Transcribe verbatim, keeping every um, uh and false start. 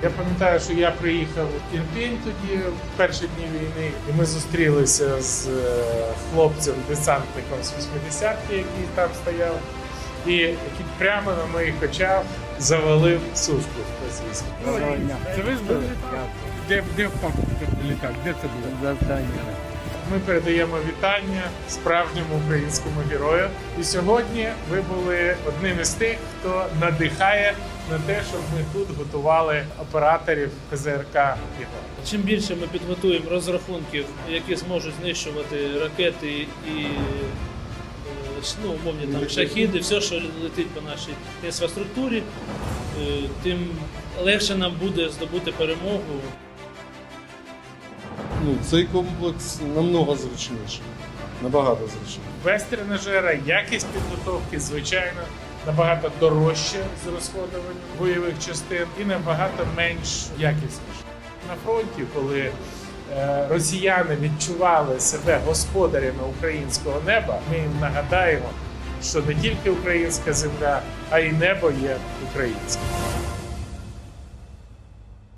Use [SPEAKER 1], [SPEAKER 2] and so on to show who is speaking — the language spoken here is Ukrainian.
[SPEAKER 1] Я пам'ятаю, що я приїхав в Ірпінь тоді, в перші дні війни, і ми зустрілися з хлопцем-десантником з вісімдесятки, який там стояв, і який прямо на моїх очах завалив сушку російську.
[SPEAKER 2] Це ви ж були? Де, де впав літак? Де це було?
[SPEAKER 3] Завдання.
[SPEAKER 1] Ми передаємо вітання справжньому українському герою. І сьогодні ви були одним із тих, хто надихає на те, щоб ми тут готували операторів ПЗРК «Ігор».
[SPEAKER 4] Чим більше ми підготуємо розрахунків, які зможуть знищувати ракети і е, ну, умовні там шахіди, все, що летить по нашій інфраструктурі, е, тим легше нам буде здобути перемогу.
[SPEAKER 5] Ну, цей комплекс намного зручніший, набагато зручніший.
[SPEAKER 1] Без тренажера якість підготовки, звичайно, набагато дорожче з розходуванням бойових частин і набагато менш якісніше. На фронті, коли е, росіяни відчували себе господарями українського неба, ми їм нагадаємо, що не тільки українська земля, а й небо є українським.